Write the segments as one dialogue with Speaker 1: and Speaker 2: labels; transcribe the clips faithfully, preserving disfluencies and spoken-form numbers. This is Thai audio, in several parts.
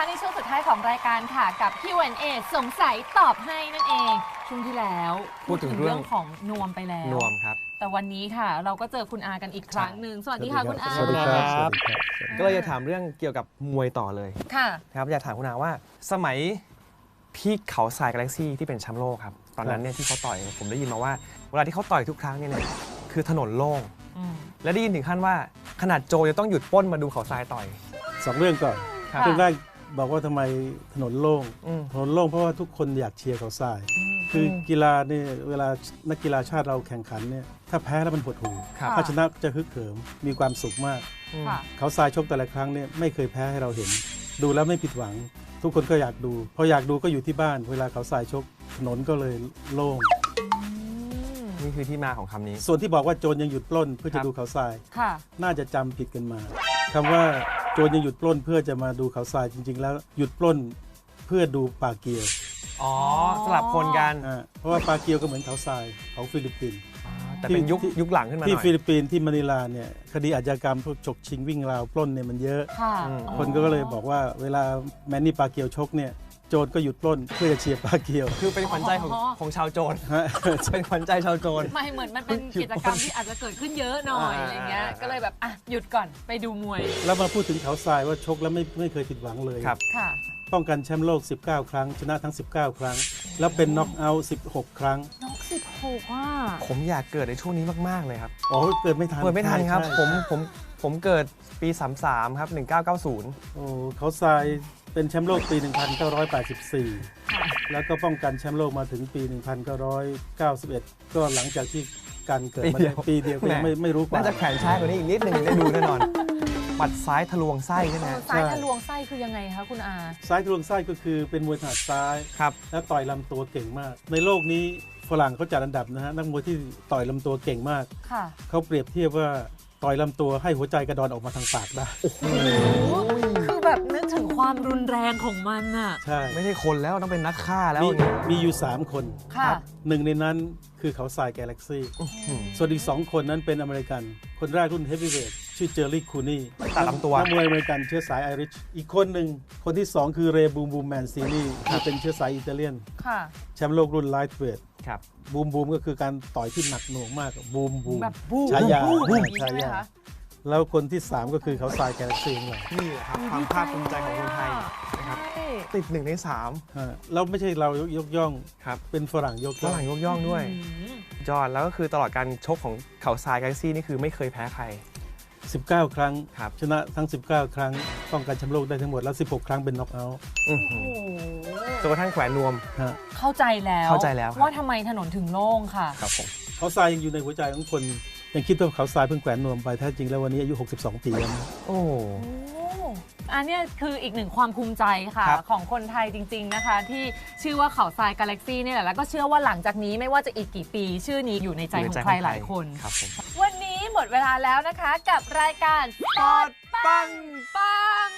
Speaker 1: ในช่วงสุดท้ายของรายการค่ะกับ คิว แอนด์ เอ สงสัยตอบให้นั่นเองช่วงที่แล้ว
Speaker 2: พูดถึงเรื่อง
Speaker 1: ของนวมไปแล้ว
Speaker 2: นวมครับ
Speaker 1: แต่วันนี้ค่ะเราก็เจอคุณอากันอีกครั้งหนึ่งสวัสดีค่ะคุณอา
Speaker 2: สวัสดีครับก็เลยจะถามเรื่องเกี่ยวกับมวยต่อเลย
Speaker 1: ค่ะ
Speaker 2: ครับอยากถามคุณอาว่าสมัยพี่เขาทรายกาแล็กซี่ที่เป็นแชมป์โลกครับตอนนั้นเนี่ยที่เขาต่อยผมได้ยินมาว่าเวลาที่เขาต่อยทุกครั้งเนี่ยคือถนนโล่งและได้ยินถึงขั้นว่าขนาดโจจะต้องหยุดปล้นมาดูเขาทรายต่อย
Speaker 3: สองเรื่องก่อนเรื่องแรกบอกว่าทำไมถนนโล่งถนนโล่งเพราะว่าทุกคนอยากเชียร์เขาทรายคือกีฬาเนี่ยเวลานักกีฬาชาติเราแข่งขันเนี่ยถ้าแพ้แล้วมันหดหู่ถ้าชนะจะฮึกเหิมมีความสุขมากเขาทรายชกแต่ละครั้งเนี่ยไม่เคยแพ้ให้เราเห็นดูแล้วไม่ผิดหวังทุกคนก็อยากดูพออยากดูก็อยู่ที่บ้านเวลาเขาทรายชกถนนก็เลยโล่ง
Speaker 2: นี่คือที่มาของคำนี้
Speaker 3: ส่วนที่บอกว่าโจรยังหยุดปล้นเพื่อจะดูเขาทรายน่าจะจำผิดกันมาคำว่าโจรยังหยุดปล้นเพื่อจะมาดูเขาทรายจริงๆแล้วหยุดปล้นเพื่อดูปลาเกียว
Speaker 2: อ๋อสลับคนกัน
Speaker 3: เพราะว่าปลาเกียวก็เหมือนเขาทรายของฟิลิปปินส์
Speaker 2: แต่เป็นยุคยุคหลังขึ้นมาหน่อย
Speaker 3: ที่ฟิลิปปินส์ที่มะนิลาเนี่ยคดีอาชญากรรมพวกฉกชิงวิ่งราวปล้นเนี่ยมันเยอะคนก็เลยบอกว่าเวลาแมนนี่ปลาเกียวชกเนี่ยโจรก็หยุดปล้นเพื่อจะเชียร์ปลาเกียว
Speaker 2: คือเป็นขวัญใจของของชาวโจรเป็นขวัญใจชาวโจร
Speaker 1: ไม่เหมือนมันเป็นกิจกรรมที่อาจจะเกิดขึ้นเยอะหน่อยอะไรเงี้ยก็เลยแบบอ่ะหยุดก่อนไปดูมวย
Speaker 3: แล้วมาพูดถึงเขาทรายว่าชกแล้วไม่ไม่เคยผิดหวังเลย
Speaker 2: ครับ
Speaker 1: ค่ะ
Speaker 3: ป้องกันแชมป์โลกสิบเก้าครั้งชนะทั้งสิบเก้าครั้งแล้วเป็นน็อกเอาท์สิบหกครั้ง
Speaker 1: น็อกสิบหกอ่ะ
Speaker 2: ผมอยากเกิดในช่วงนี้มากๆเลยครับ
Speaker 3: อ๋อเกิดไม่ทัน
Speaker 2: เกิดไม่ทันครับผมผมผมเกิดปีสามสิบสามครับหนึ่งเก้าเก้าศูนย์
Speaker 3: โอ้เขาทรายเป็นแชมป์โลกปีหนึ่งพันเก้าร้อยแปดสิบสี่แล้วก็ป้องกันแชมป์โลกมาถึงปีหนึ่งพันเก้าร้อยเก้าสิบเอ็ดก็หลังจากที่การเกิดมาปีเดียวก็ยังไม่ไม่รู้กว่า
Speaker 2: น่าจะแข็งช้ากว่านี้อีกนิดนึงได้ดูแน่นอนปัดซ้ายทะลวงไส้ใช่ไหม
Speaker 1: ซ้ายทะลวงไส้คือยังไงคะคุณอา
Speaker 3: ซ้ายทะลวงไส้ก็คือเป็นมวยถนัดซ้าย
Speaker 2: ครับ
Speaker 3: และต่อยลำตัวเก่งมากในโลกนี้ฝรั่งเขาจัดอันดับนะฮะนักมวยที่ต่อยลำตัวเก่งมากเขาเปรียบเทียบว่าต่อยลำตัวให้หัวใจกระดอนออกมาทางปากได้
Speaker 1: คือแบบนึกถึงความรุนแรงของมันอ่ะ
Speaker 3: ใช่
Speaker 2: ไม่ใช่คนแล้วต้องเป็นนักฆ่าแล้ว
Speaker 3: มีมีอยู่สามคน
Speaker 1: ครับ
Speaker 3: หนึ่งในนั้นคือเขาทรายกาแล็กซี่ส่วนอีกสองคนนั้นเป็นอเมริกันคนแรกรุ่นเฮฟวีเวทชื่อเจอร์รี่คูนี่
Speaker 2: ตัดลำตัว
Speaker 3: นักมวยอเมริกันเชื้อสายไอริชอีกคนหนึ่งคนที่สองคือเรย์บูมบูมแมนซีนีที่เป็นเชื้อสายอิตาเลียนแชมป์โลกรุ่นไลท์เวทบูมบูมก็คือการต่อยที่หนักหน่วงมากบูมบูมฉายาฉายาแล้วคนที่สามก็คือเขาทรายกาแล็กซี่เลย
Speaker 2: นี่ครับความภาคภูมิใจของคนไทยนะครับติดหนึ่งในสาม
Speaker 3: เราไม่ใช่เรายกย่อง
Speaker 2: ครับ
Speaker 3: เป็นฝรั่งยก
Speaker 2: ฝรั่งยกย่องด้วยจอดแล้วก็คือตลอดการชกของเขาทรายกาแล็กซี่นี่คือไม่เคยแพ้ใคร
Speaker 3: สิบเก้าครั้งชนะทั้งสิบเก้าครั้งป้องกันแชมป์โลกได้ทั้งหมดแล้วสิบหกครั้งเป็นน็อกเอาท์
Speaker 2: จนกระทั่งแขวนนวม
Speaker 1: เข้าใจแล้ว
Speaker 2: เข้าใจแล้ว
Speaker 1: ว่าทำไมถนนถึงโล่งค่ะ
Speaker 2: ครับผม
Speaker 3: เขาทรายยังอยู่ในหัวใจของคนยังคิดว่าเขาทรายเพิ่งแขวนนวมไปแท้จริงแล้ววันนี้อายุหกสิบสองปีแล้ว
Speaker 2: โอ้
Speaker 1: อันนี้คืออีกหนึ่งความภูมิใจค่ะของคนไทยจริงๆนะคะที่ชื่อว่าเขาทรายกาแล็กซี่นี่แหละแล้วก็เชื่อว่าหลังจากนี้ไม่ว่าจะอีกกี่ปีชื่อนี้อยู่ในใจของใครหลายคนวันนี้หมดเวลาแล้วนะคะกับรายการสดปังปัง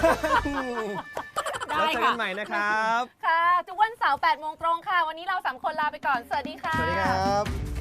Speaker 2: ได้ค่ะเจอกันใหม่นะครับ
Speaker 1: ค่ะทุกวันเสาร์แปดโมงตรงค่ะวันนี้เราสามคนลาไปก่อนสวัสดีค่ะ
Speaker 2: สวัสดีครับ